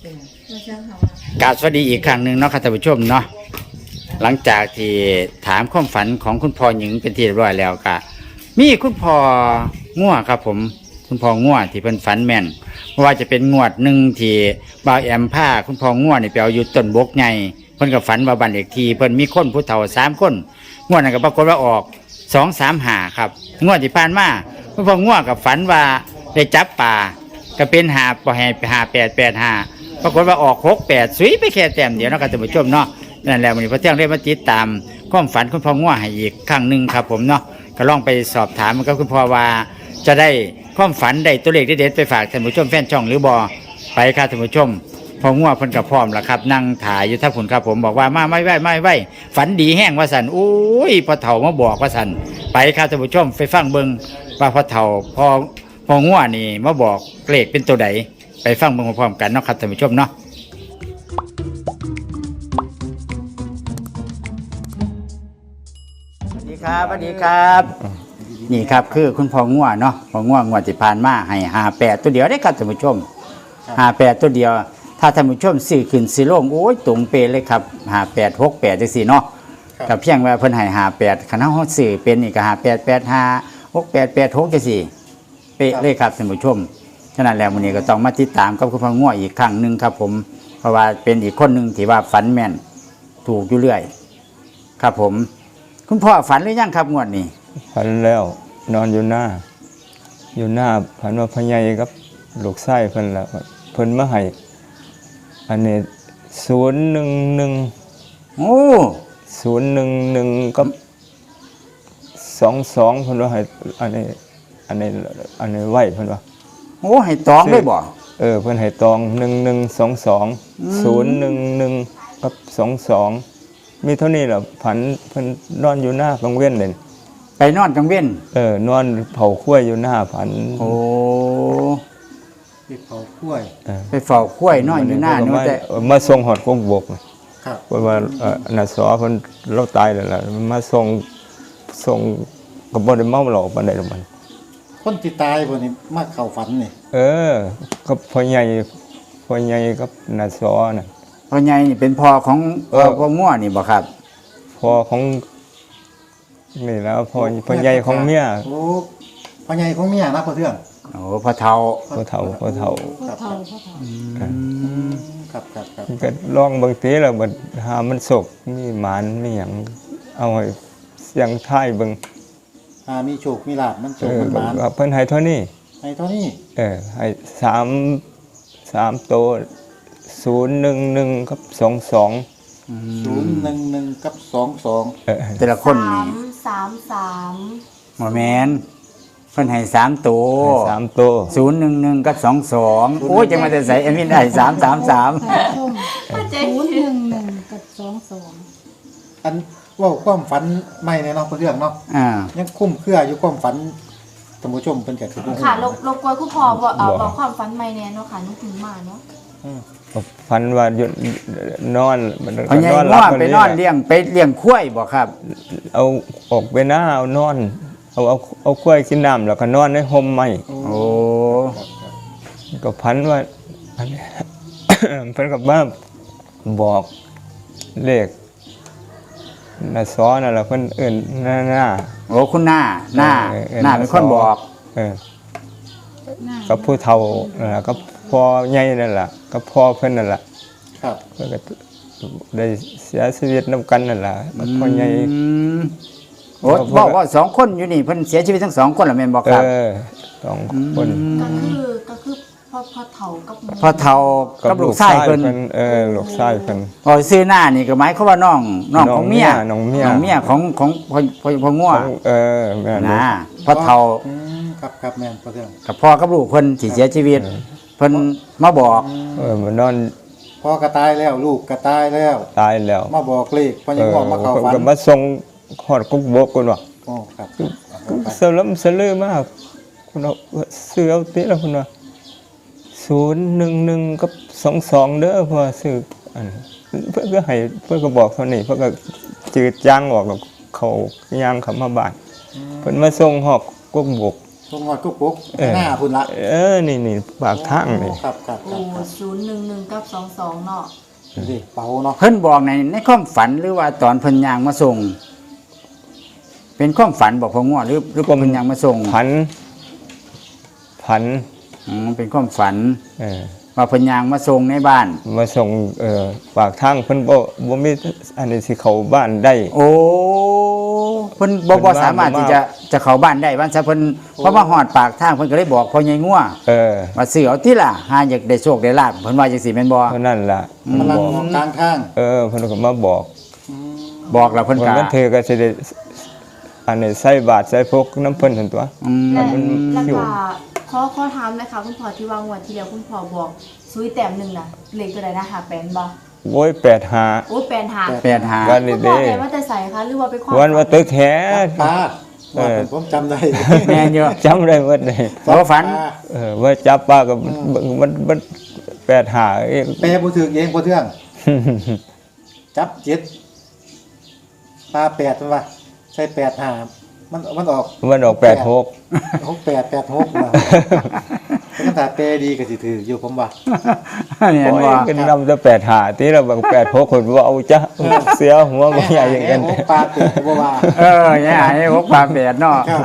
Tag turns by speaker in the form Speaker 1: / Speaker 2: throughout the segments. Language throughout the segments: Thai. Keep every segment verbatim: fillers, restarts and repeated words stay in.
Speaker 1: กราบสวัสดีอีกครั้งหนึ่งเนาะค่ะท่านผู้ชมเนาะหลังจากที่ถามความฝันของคุณพ่อหญิงเป็นที่เรียบร้อยแล้วก็มีคุณพ่อง่วครับผมคุณพ่อง่วที่เป็นฝันแม่นเพราะว่าจะเป็นงวดหนึ่งที่บ่าวแอมผ้าคุณพ่อง่วนี่ไปเอาอยู่ต้นบกใหญ่เพิ่นก็ฝันว่าบ้านเลขที่เพิ่นมีคนผู้เฒ่าสามคนงวดนั้นก็ปรากฏว่าออกสองสามหาครับงวดที่ผ่านมาคุณพ่อง่วกับฝันว่าได้จับป่าก็เป็นหาปแห่หาแปดแปดหาปรากฏว่าออกหกแปดสุยไปแค่แต้มเดียวนะครับท่านผู้ชมเนาะนั่นแหละวันนี้พระเที่ยงเรียกมาติดตามความฝันคุณพ่อง่วให้อีกครั้งหนึ่งครับผมเนาะก็ลองไปสอบถามมันกับคุณพ่อว่าจะได้ความฝันได้ตัวเลขเด็ดๆไปฝากท่านผู้ชมแฟนช่องหรือบอไปครับท่านผู้ชมพ่อง่วเพิ่นกับพร้อมแล้วครับนั่งถ่ายอยู่ท่าผุนครับผมบอกว่ามาไม่ไหวไม่ไหวฝันดีแห้งว่าสันโอ้ยพอเถ่ามาบอกว่าสันไปครับท่านผู้ชมไปฟังเบิ่งว่าพอเถ่าพอพอง่วนี่มาบอกเลขเป็นตัวใดไปฟังเบิ่งพร้อมกันเนาะครับท่านผู้ชมเนาะสวัสดีครับสวัสดีครับนี่ครับคือคุณพ่อง่วเนาะพ่อง่วงวดที่ผ่านมาให้หาแปดตัวเดียวได้ครับท่านผู้ชมหาแปดตัวเดียวถ้าท่านผู้ชมสื่อขึ้นสื่อลงโอ้ยตรงเป๊ะเลยครับหาแปดหกแปดจังสี่เนาะกับเพียงว่าเพิ่นให้หาแปดคณะเขาสื่อเป็นนี่ก็หาแปดแปดห้าหกแปดแปดหกจังสี่เป๊ะเลยครับท่านผู้ชมฉะนั้นแล้ววันนี้ก็ต้องมาติดตามกับคุณพ่อง่วอีกครั้งหนึ่งครับผมเพราะว่าเป็นอีกคนหนึ่งที่ว่าฝันแม่นถูกอยู่เรื่อยครับผมคุณพ่อฝันหรือยังครับงวดนี้
Speaker 2: ฝันแล้วนอนอยู่หน้าอยู่หน้าฝันว่าพญายกับลูกไส้เพิ่นละเพิ่นมาให้อันนี้ศูนย์หนึ่งหนึ่ง
Speaker 1: โอ้
Speaker 2: ศูนย์หนึ่งหนึ่งกับสองสองเพิ่นว่าให้อันนี้อันนี้อันนี้ไหวเพิ่นว่า
Speaker 1: โอ้ให้ตองได้บ่
Speaker 2: เออเพิ่นให้ตองหนึ่งหนึ่งสองสองศูนย์หนึ่งหนึ่งกับสองสองมีเท่านี้แหละฝันเพิ่นนอนอยู่หน้ากลางเว้นเลย
Speaker 1: ไปนอนกลางเว้น
Speaker 2: เออนอนเผาขั้วอยู่หน้าฝัน
Speaker 1: โอ้
Speaker 3: ไปเผาขั้ว
Speaker 1: ไปเฝ้าขั้วนอนอยู่หน้านู้นแต่
Speaker 2: มาส่งหอดกงบกครับเพราะว่านาสอเพิ่นเราตายแล้วล่ะมาส่งส่งก็บ่ได้เมาหลอกปานใดหรอกมัน
Speaker 3: คนที่ตายบ่นี่มาเข้าฝันนี่
Speaker 2: เออก็พ่อใหญ่พ่อใหญ่กับนาสอน่ะ
Speaker 1: พ่อใหญ่นี่เป็นพ่อของพ่อง่วนี่บ่ครับ
Speaker 2: พ่อของนี่แล้วพ่อพ่อใหญ่ของเมีย
Speaker 3: โอ้พ่อใหญ่ของเมียนะพ่อเทือง
Speaker 1: โอ้พ่อเฒ่า
Speaker 2: พ่อเฒ่าพ่อเฒ่า
Speaker 3: พ่อเฒ่าพ่อเฒ่าครับครับครับ
Speaker 2: ก็ลองบางทีแล้วบัดหามันสกมีหมานมีหยังเอาให้เสียงท้ายเบิ่ง
Speaker 3: หามีโชคมีลาภมันโชคมันหมาน
Speaker 2: เพิ่นให้เท่านี้
Speaker 3: ให้เท่านี้
Speaker 2: เออให้สาม สามโตศูนย์หนึ่งหนึ่งกับสองสอง
Speaker 3: ศูนย์หนึ่งหนึ่งกับสองสอง
Speaker 1: แต่ละคนนี่
Speaker 4: สามสาม
Speaker 1: หมอแมนเพิ่นให้สามตัว
Speaker 2: สามตัว
Speaker 1: ศูนย์หนึ่งหนึ่งกับสองสองโอ้ยจะมาแต่ใส่เอ็มวินได้สามสามสาม
Speaker 4: ศูนย์หนึ่งหนึ่งกับสองสอง
Speaker 3: อันว่าความฝันไม่ในเนาะเรื่องเนาะยังคุ้มเครืออยู่ความฝันท่านผู้ชมเป็นแก่ทุกคน
Speaker 4: ค่ะลบกวนคุณพ่อบอกบอกความฝันไม่แน่เนาะค่ะนึกถึงมาเนาะ
Speaker 2: ฝันว่าหยุดนอน
Speaker 1: เอาไงว่าไปนอนเลี้ยงไปเลี้ยงควายบ่ครับ
Speaker 2: เอาออกไปหน้าเอานอนเอาเอาเอาควายกินน้ำแล้วก็นอนในห่มไม้
Speaker 1: โอ้
Speaker 2: ก็พันว่าเพิ่นกับบ้าบอกเลขน่ะซ้อนั่นแหละเพิ่นเอิ้นหน้าหน้า
Speaker 1: โอ้คุณหน้าหน้าหน้าเป็นคนบอก
Speaker 2: เออกับผู้เฒ่านั่นแหละก็พ่อใหญ่นั่นแหละก็พ่อเพิ่นนั่นแหละ
Speaker 3: ครับ
Speaker 2: เพิ่นก็ได้เสียชีวิตนำกันนั่นแหละพ่อใหญ่
Speaker 1: โอ้บอกว่าสองคนอยู่นี่เพิ่นเสียชีวิตทั้งสองคนล่ะแม่นบ่ครับ
Speaker 2: เออสองคน
Speaker 4: ก็คือก็คือพ่อพ่อเฒ่ากับ
Speaker 1: พ่อเฒ่ากับลูกชายเพิ่น
Speaker 2: เออลูกชายเพิ่น
Speaker 1: พอซื้อหน้านี่ก็หมายความว่าน้องน้องของเมีย
Speaker 2: น้องเมีย
Speaker 1: น้องเมียของของพ่อพ่อพ่อง่ว
Speaker 2: เออแม่
Speaker 1: นะพ่อเฒ่า
Speaker 3: ครับครับแม่นพ่อเทือง
Speaker 1: กับพ่อกับลูกเพิ่นที่เสียชีวิตเพิ่นมาบอก
Speaker 2: เออมันนอน
Speaker 3: พ่อก็ตายแล้วลูกก็ตายแล้ว
Speaker 2: ตายแล้ว
Speaker 3: มาบอกเลขพ่อยังบอกมาเข้าฝัน
Speaker 2: ก็มาส่งฮอดกุ๊กบกกันว่า
Speaker 3: โอ้ครับ
Speaker 2: สลัมสลือมากคุณเอาซื้อเอาติแล้วคุณว่าศูนย์หนึ่งหนึ่งกับสองสองเด้อเพราะซื้ออันเพื่อก็ให้เพื่อก็บอกเท่านี้เพื่อก็จืดจางออกกับเขาย่างเขามาบ้านเพิ่นมาส่งหอกกุ๊กบก
Speaker 3: ตรงงอดกุ๊กกุ๊กหน้าพุ่นละ
Speaker 2: เออนี่นี่ปากทางนี่
Speaker 3: ครับครับค
Speaker 4: โอ้
Speaker 3: รับครับ
Speaker 4: ศูนย์หนึ่งหนึ่งกับสองสองเนาะ
Speaker 3: ดิเป๋าเนาะ
Speaker 1: เพิ่นบอกในในความฝันหรือว่าตอนเพิ่นย่างมาส่ง เป็นความฝันบอกพ่อง่วหรือหรือเพิ่นย่างมาส่ง
Speaker 2: ผันผัน
Speaker 1: อืมเป็นความฝัน
Speaker 2: เออ
Speaker 1: ว่าเพิ่นย่างมาส่งในบ้าน
Speaker 2: มาส่งเอ่อปากทางเพิ่นบ่บ่มีอันนี้สิเข้าบ้านได้
Speaker 1: โอ้เพิ่นบ่
Speaker 2: เพิ่
Speaker 1: บ่
Speaker 2: นว่า
Speaker 1: สามารถ
Speaker 2: บ่มา
Speaker 1: ที่จะจะเข้าบ้านได้บ้านซะเพิ่นเพราะว่าฮอดปากทางเพิ่นก็เลยบอกพ่อใหญ่งัว
Speaker 2: เออ
Speaker 1: ว่าซื้อเอาติล่ะหาอยากได้โชคได้ลาภเพิ่นว่าจังซี่แม่นบ่
Speaker 2: เท่านั้นล่ะ
Speaker 3: กำลัง
Speaker 2: บอก
Speaker 3: กลางทาง
Speaker 2: เออเพิ่นก็มาบอก
Speaker 1: บอกแล้วเพิ่น
Speaker 2: วัน
Speaker 1: ก็
Speaker 2: นั้นเธอก็สิได้อันนี้ใส่บาตรใส่พกน้ำเพิ่นหั่นตัว
Speaker 1: อืม
Speaker 4: และ
Speaker 2: มัน
Speaker 4: แล้ว
Speaker 2: อยู่
Speaker 4: ก็ขอขอถามนะคะคุณพ่อที่วางงวดที่แล้วคุณพ่อบอกซุยแต้มหนึ่งน่ะเลขตัวใดนะหาแปนบ่
Speaker 2: โอ้ยแปดหา
Speaker 4: โอ้แปนหา
Speaker 1: แปดหา
Speaker 2: วัน
Speaker 4: คุ
Speaker 2: นี้
Speaker 4: ณพ่อ
Speaker 2: เด้
Speaker 4: ได้ว่าแต่ใส่คะหรือว่าไปความ
Speaker 2: วันว่าตึกแท้
Speaker 3: ปลา
Speaker 2: เออ
Speaker 3: ผมจำได้
Speaker 1: แม่นอยู่
Speaker 2: จำได้หมดเลย
Speaker 1: เพราะว่าฝัน
Speaker 2: เออว่าจับปลากับมันมันแปดหาเอง
Speaker 3: เปย์บ่ถึงเองบ่เทื่องจับเจ็ดปลาแปดมันว่าใช่แปดห้ามันมันออก
Speaker 2: มันออกแปดหก
Speaker 3: หกแปดแปดหกนะถ้าถ้าเปย์ดีก็สิถืออยู่ผมว่า
Speaker 1: เนี่ย
Speaker 2: โอ้ย
Speaker 1: ว่า
Speaker 2: กันนำจะแปดหาที่เราแบบแปดหกคนว่าเอาจ้ะเสียหัวมันใหญ่อย่างกัน
Speaker 3: หกปลาแปดบ่ว่า
Speaker 1: เออเนี่ยไอ้พวกปลาแปดเนาะ
Speaker 3: ครับ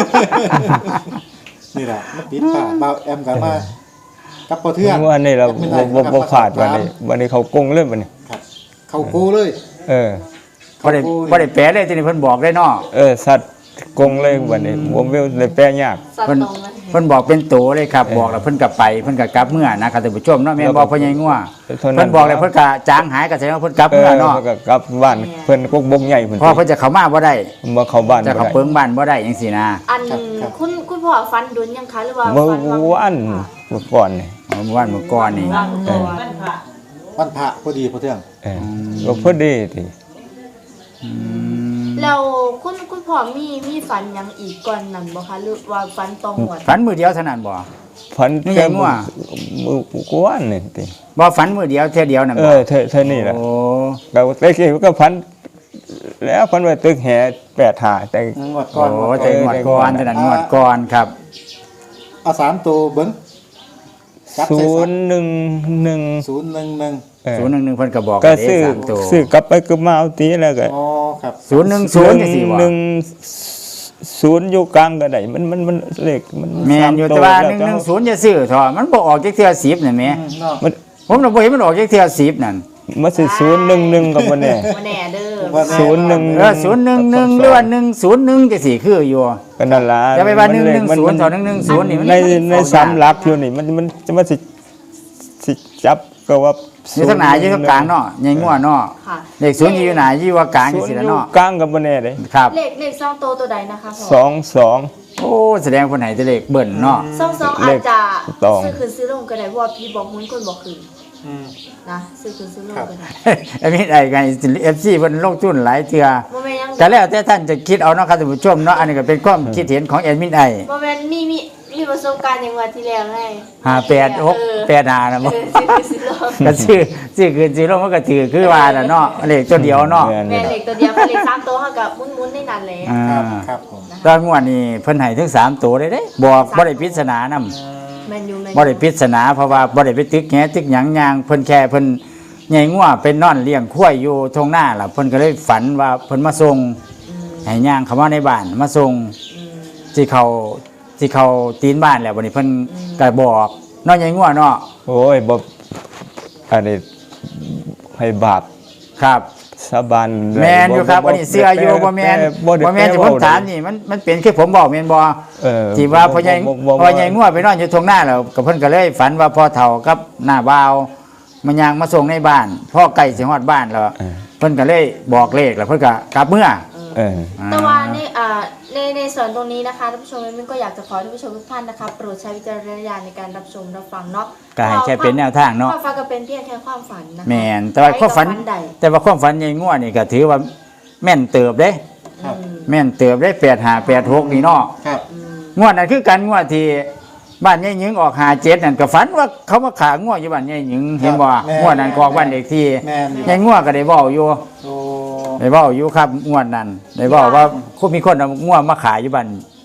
Speaker 3: นี่แหละมันปิดปากเบาแอมกันมากับบ่เทื่อง
Speaker 2: ว่านี่เราบ่บ่ขาดวันนี้วันนี้เขากงเล่นวันนี้
Speaker 3: ครับเข้าโกเลย
Speaker 2: เออ
Speaker 1: บ่ได้บ่ได้แปลเลยทีนี้เพิ่นบอกได้เนาะ
Speaker 2: เออสัตว์กงเลยวันนี้ผมไม่ได้แปลยาก
Speaker 4: สัต
Speaker 1: เพิ่น
Speaker 4: ว์ตรงเลย
Speaker 1: เพิ่นบอกเป็นโตเลยครับ บอกแล้วเพิ่นก็ไปเพิ่นก็กลับเมื่อนะครับท่านผู้ชมเนาะแม่นบอกพ่อใหญ่งัว
Speaker 2: เท่านั้น
Speaker 1: เพิ่นบอกเลยเพิ่นก็จางหายก็แสดงว่าเพิ่นกลับ
Speaker 2: เอ
Speaker 1: เมื่อ
Speaker 2: อ
Speaker 1: เนาะ
Speaker 2: มันก็กลับบ้านเพิ่นกกบงใหญ่เพิ่น
Speaker 1: เพราะเพิ่นจะเข้ามาบ่ได้
Speaker 2: มาเข้าบ้าน
Speaker 1: จะ
Speaker 2: บ่
Speaker 1: เข้า
Speaker 2: ได้
Speaker 1: เปิงบ้านบ่ได้จังซี่นะ
Speaker 4: อันคุณคุณพ่อฟันดุนยังคะหรือว่า
Speaker 2: เมื่อ
Speaker 4: ฟันวาง
Speaker 2: วันเมื่อก่อนนี่
Speaker 1: เมื่อวานเมื่อก่อนนี่
Speaker 4: วางตัว
Speaker 3: วันพระพอดีบ่เทื่อง
Speaker 2: เออก็พอดีติ
Speaker 1: อืม
Speaker 4: แล้วคุณคุณพ่อมีมีฝันหยังอีกก่อนนั้นบ่คะหรือว่าฝันตองหวด
Speaker 1: ฝันมื้อเดียวเท่านั้นบ่
Speaker 2: พัน
Speaker 1: นี่ไงมั่ว
Speaker 2: มือกูว่านนี่ติ
Speaker 1: บ่ฝันมื้อเดียวเท่ยเดียวนั่น
Speaker 2: เอ
Speaker 1: บ่
Speaker 2: อเท่าเท่านี้แหละ
Speaker 1: โอ้
Speaker 2: เราตะกี้ก็พันแล้วพันไว้ตึกแห่แปดหาแต่
Speaker 3: งวดก่อน
Speaker 1: โอ้แต่งวดก่อนเท่านั้นงวดก่อนครับ
Speaker 3: เอาสามตัวเบิ่งจับใส่
Speaker 2: ศูนย์หนึ่งหนึ่ง
Speaker 3: ศูนย์หนึ่งหนึ่ง
Speaker 2: เออ
Speaker 1: ศูนย์หนึ่งหนึ่งเพิ่นก็บอก
Speaker 2: ก็
Speaker 1: ได้
Speaker 2: ซื้อ
Speaker 1: สามตัว
Speaker 2: ซื้อกลับไปก็มาเอาตีแล้วก็
Speaker 3: อ๋อครับ
Speaker 1: ศูนย์หนึ่งศูนย์จังซี่บ่
Speaker 2: หนึ่งศูนย์อยู่กลางก็ได้มันมันมันเลขมัน
Speaker 1: แม่นอยู่แต่ว่าหนึ่งหนึ่งศูนย์จะซื้อเถอะมันบ่ออกจักเทื่อสิบนั่นแหม
Speaker 3: อืมเนาะ
Speaker 2: มัน
Speaker 1: ผมน่ะบ่เห็นมันออกจักเทื่อสิบนั่น
Speaker 2: มันสิศูนย์หนึ่งหนึ่งกับมันแน่
Speaker 4: บ่แน่เด้อ
Speaker 3: ว่าแ
Speaker 2: ศูนย์หนึ่ง
Speaker 1: เออศูนย์หนึ่งหนึ่งหรือว่าหนึ่งศูนย์หนึ่งจังซี่คืออยู่
Speaker 2: ก็นั่นล่ะ
Speaker 1: อย่าไปว่าหนึ่ง
Speaker 2: มั
Speaker 1: หนึ่ง
Speaker 2: มั
Speaker 1: ศูนย์ต่อหนึ่งหนึ่งศูนย์นี่มัน
Speaker 2: ในใน
Speaker 1: เข้า
Speaker 2: สาม
Speaker 1: ยาก
Speaker 2: หลักอยู่นี่มันมันจะมาสิสิจับก็ว่า
Speaker 1: อยู่ทางหน้าอยู่ทางกลางเนาะใหญ่งัวเนาะ
Speaker 4: ค่ะ
Speaker 1: เลขศูนย์อยู่หน้าอยู่ว่ากลางจัง
Speaker 2: ศูน
Speaker 1: ซี่
Speaker 2: ย์
Speaker 1: ล่ะ
Speaker 2: อยู่
Speaker 1: เนาะ
Speaker 2: กลางกับมันแน่เลย
Speaker 1: ครับ
Speaker 4: เลขเลขสองตัวตัวใดนะคะพ่อ
Speaker 2: สองสอง
Speaker 1: โอ้แสดงคนไหนจะเลขเบิ่นเนาะ
Speaker 4: สองสองอาจจะ
Speaker 2: เลขตอง
Speaker 4: ซื้อคืนซื้อลงก็ได้เพราะว่าพี่บอกหุ้นคนบอกคืน
Speaker 3: อืม
Speaker 4: นะซื้อคืนซื้อลงก็ได้
Speaker 1: ไอ้นี่ไอ้ไง เอฟ ซี เพิ่นลงทุนหลายเทื่อ
Speaker 4: บ่แม่นยัง
Speaker 1: ก็แล้วแต่ท่านจะคิดเอาเนาะครับท่านผู้ชมเนาะอันนี้ก็เป็นความคิดเห็นของแอดมินไอ
Speaker 4: บ่แม่นมีมีมีประสบการณ์อย่างว่าที่แล้วไง
Speaker 1: ห้าแปดหกแปดห้านะ
Speaker 4: เอ
Speaker 1: บ่
Speaker 4: อซื้อคืนซื้อลง
Speaker 1: ก็ซื้อซื้อคืนซื้อลงมันก็ถือคือว่าน่ะเนาะเลขตัวเดียวเนาะ
Speaker 2: แม่น
Speaker 4: แม่นเลขตัวเดียวกับเลขสามตัวเฮากับหมุนๆในนั้นแหละ
Speaker 1: อ่า
Speaker 3: ครับครับผม
Speaker 1: ตอนงวดนี้เพิ่นให้ถึงสามตัวเลยเด้บอกบ่ได้ปริศนานำ
Speaker 4: แม่นอยู่แม่น
Speaker 1: บ่ได้ปริศนาเพราะว่าบ่ได้ไปตึกแหตึกหยังยางเพิ่นแค่เพิ่นใหญ่งัวเป็นนอนเลี้ยงควายอยู่ทงหน้าล่ะเพิ่นก็เลยฝันว่าเพิ่นมาส่ง
Speaker 4: อืม
Speaker 1: ให้ย่างเข้ามาในบ้านมาส่ง
Speaker 4: อืม
Speaker 1: สิเขาสิเขาตีนบ้านแล้วบัดนี้เพิ่นก็บอกเนาะใหญ่งัวเนาะ
Speaker 2: โอ้ยบ่อันนี้ให้บาป
Speaker 1: ครับ
Speaker 2: สาบานได้
Speaker 1: แม่นอยู่ครับอันนี้เสื้ออยู่บ่แม่น
Speaker 2: บ่ได้
Speaker 1: บ่แม่นที่ผมถามนี่มันมันเป็นคือผมบอกแม่นบ่
Speaker 2: เออ
Speaker 1: ที่ว่าพ่อใหญ่
Speaker 2: บ่บ่บ่
Speaker 1: พ่อใหญ่งัวไปนอนอยู่ทงหน้าแล้วก็เพิ่นก็เลยฝันว่าพ่อเฒ่ากับหน้าบ่าวมันย่างมาส่งในบ้านพ่อใกล้สิฮอดบ้านแล้ว
Speaker 2: เออ
Speaker 1: เพิ่นก็เลยบอกเลขแล้วเพิ่นก็กลับเมื่อ
Speaker 2: เออ
Speaker 4: แต่ว่าในอ่าในในส่วนตรงนี้นะคะท่านผู้ชมมินก็อยากจะขอท่านผู้ชมทุกท่านนะคะโปรดใช้วิจารณญาณในการรับชมรับฟังเนาะ
Speaker 1: ก็ให้แค่เป็นแนวทางเนาะ
Speaker 4: ความฝันก็เป็นเพียงแค่ความฝันนะคะ
Speaker 1: แม่นแต่ว่าความฝัน
Speaker 4: ใครกับใด
Speaker 1: แต่ว่าความฝันใหญ่งัวนี่ก็ถือว่าแม่นเติบเด้
Speaker 3: ครับ
Speaker 4: อืม
Speaker 1: แม่นเติบได้แปดห้าแปดหกนี่เนาะ
Speaker 3: ครับ
Speaker 4: อืม
Speaker 1: งวดนั้นคือกันงวดที่บ้านยายหญิงออกหาเจ็ดนั่นก็ฝันว่าเขามาขางวดอยู่บ้านยายหญิงเห็นบ่งวดนั้นก็ออกบ้านเด็กที่
Speaker 3: แม่นอยู่
Speaker 1: ยายงวดก็ได้เว้าอยู่
Speaker 3: โอ้
Speaker 1: ได้เว้าอยู่ครับงวดนั้นได้เว้าว่าคุมีคนเอางวดมาขายอยู่บ้าน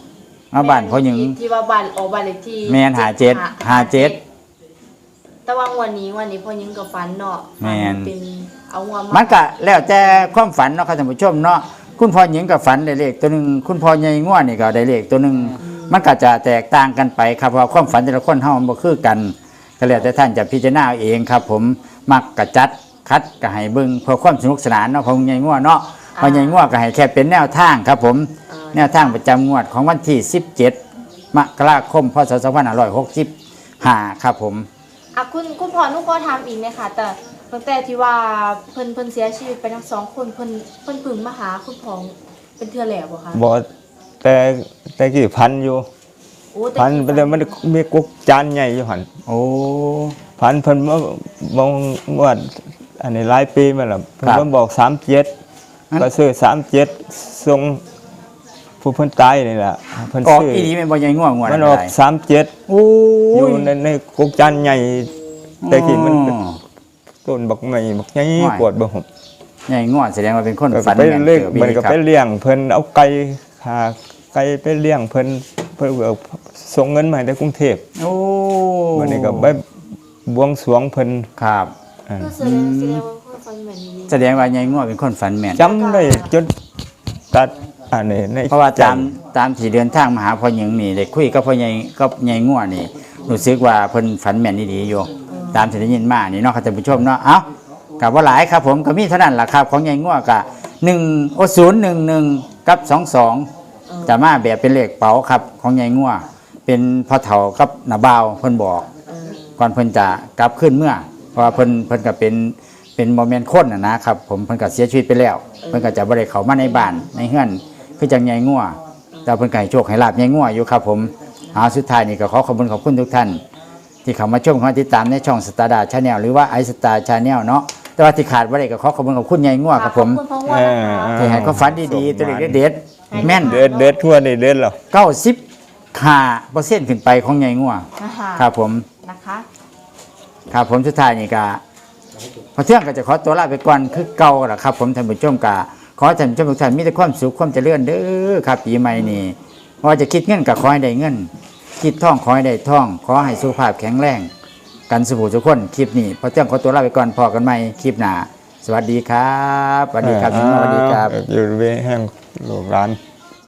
Speaker 1: มาบ้านพ่อหญิง
Speaker 4: ที่ว่าบ้านออกบ้านเลขที่
Speaker 1: แม่นห้าเจ็ดห้าเจ็ด
Speaker 4: แต่ว่าวันนี้วันนี้พ่อหญิงกับฝันเนาะ
Speaker 1: แม่น
Speaker 4: เป็นเอาหัว
Speaker 1: มันก็แล้วแต่ความฝันเนาะครับท่านผู้ชมเนาะคุณพ่อหญิงกับฝันได้เลขตัวหนึงคุณพ่อใหญ่ง่วนี่ก็ได้เลขตัวหนึงมันก็จะแตกต่างกันไปครับเพราะว่าความฝันแต่ละคนเฮามันบ่คือกันก็แล้วแต่ท่านจะพิจารณาเอาเองครับ ผมมักกะจัดคัดก็ให้เบิ่งเพื่อความสนุกสนานเนาะของใหญ่ง่วเนาะพ่อใหญ่ง่วก็ให้แค่เป็นแนวทางครับ ผมแนวทางประจำงวดของวันที่สิบเจ็ดมกราคมพศสองพันห้าร้อยหกสิบห้าครับผม
Speaker 4: อ่ะคุณคุณพ่อหนุก็ถามอีกเนี่ยค่ะแต่ตั้งแต่ที่ว่าเพิ่นเพิ่นเสียชีวิตไปทั้งสองคนเพิ่นเพิ่นพึ่งมาหาคุณพ่อเป็นเทื่อแล้วบ่คะ
Speaker 2: บ่แต่แต่กี่พันอยู่
Speaker 4: โอ้แต่
Speaker 2: พันไปเลยมันมีกุกจานใหญ่อยู่หั่น
Speaker 1: โอ้
Speaker 2: พันเพิ่นมาบอกว่าอันนี้หลายปีมาแล้วเพิ่น
Speaker 1: ครับ
Speaker 2: มาบอกสามเจ็ด
Speaker 1: งั้น
Speaker 2: ก็ซื้อสามเจ็ดส่งผู้เพิ่นตายนี่แหละเพิ่น
Speaker 1: ออก
Speaker 2: ซื้อ
Speaker 1: อีดีแม่นบ่ใหญ่ง่วงวด
Speaker 2: มันอ
Speaker 1: อะ
Speaker 2: อก
Speaker 1: ไร
Speaker 2: สามเจ็ด
Speaker 1: โอ้
Speaker 2: อยู่
Speaker 1: ย
Speaker 2: ในในกุกจานใหญ่แต่กี้มันเป็น
Speaker 1: อ๋อ
Speaker 2: ต้นบักใหม่บักใหญ่
Speaker 1: โอ้ย
Speaker 2: ปวดบ่หบ
Speaker 1: ใหญ่งวดแสดงว่าเป็นคน
Speaker 2: ก็
Speaker 1: ฝัน
Speaker 2: ไป
Speaker 1: แม่น
Speaker 2: เลี้ยง
Speaker 1: เจอ
Speaker 2: มันก็
Speaker 1: ครั
Speaker 2: ไป
Speaker 1: บ
Speaker 2: เลี้ยงเพิ่นเอาไก่ขาไก่ไปเลี้ยงเพิ่นเพิ่นก็ส่งเงินมาให้ในกรุงเทพ
Speaker 1: โอ้
Speaker 2: วันนี้ก็ไปบวงสรวงเพิ่น
Speaker 1: ครับ
Speaker 2: อ่า
Speaker 4: ก็แสดงแสดงว่าเพิ่นฝันแบบนี้
Speaker 1: แสดงว่าใหญ่งวดเป็นคนฝันแม่น
Speaker 2: จำได้จนตัดอันนี้ใน
Speaker 1: เพราะว่า
Speaker 2: ใจ
Speaker 1: ตามตามที่เดินทางมาหาพ่อหญิงนี่ได้คุยกับพ่อใหญ่กับใหญ่งวดนี่รู้สึกว่าเพิ่นฝันแม่นดีๆอยู่ตามที่ได้ยินมานี่เนาะครับท่านผู้ชมเนาะเอ้าก็บ่หลายครับ ผมก็มีเท่านั้นล่ะครับของใหญ่งวดก็หนึ่งโอ้ศูนย์หนึ่งหนึ่งกับสองสองจะมาแบบเป็นเลขเป๋าครับของใหญ่งวดเป็นพ่อเฒ่ากับน้าบ่าวเพิ่นบอก
Speaker 4: เออ
Speaker 1: ก่อนเพิ่นจะกลับขึ้นเมื่อ เพราะว่าเพิ่นเพิ่นก็เป็นเป็นโมเมนต์คนน่ะนะครับผมเพิ่นก็เสียชีวิตไปแล้ว เพิ่นก็จะบ่ได้เข้ามาในบ้านในเฮือนคือจังใหญ่งัวแต่เพิ่นก็ให้โชคให้ลาบใหญ่งัวอยู่ครับผมเอาสุดท้ายนี่ก็ขอขอบคุณขอบคุณทุกท่าน ที่เข้ามาชมเข้ามาติดตามในช่องสตาร์ดาชาแนลหรือว่าไอสตาร์ชาแนลเนาะแต่ว่าที่ขาดบ่ได้ก็ขอขอบคุณขอบคุณใหญ่งัวครับผม
Speaker 4: ขอบคุณพ่อว่านะคะ
Speaker 1: ที่ให้ความฝันดีๆตัวเลขเด็ดๆแม่น
Speaker 2: เด็ดเด็ดทั่วนี่เด็ดแล้ว
Speaker 1: เก้าสิบห้าเปอร์เซ็นต์ขึ้นไปของใหญ่งัว
Speaker 4: นะคะ
Speaker 1: ครับผม
Speaker 4: นะคะ
Speaker 1: ครับผมสุดท้ายนี่ก็พอเที่ยงก็จะขอตัวลาไปก่อนคือเก่าล่ะครับผมท่านผู้ชมกะขอให้ท่านผู้ชมทุกท่านมีแต่ความสุขความเจริญเด้อครับปีใหม่นี่ว่าจะคิดเงินก็ขอให้ได้เงิน คิดท่องขอให้ได้ท่อง ขอให้สุขภาพแข็งแรงกันสุขทุกคนคลิปนี้พอเที่ยงขอตัวลาไปก่อนพอกันใหม่คลิปหน้าสวัสดีครับสวัสดีครับสวัสดีครับ
Speaker 2: อยู่เวแห่งโลกร้าน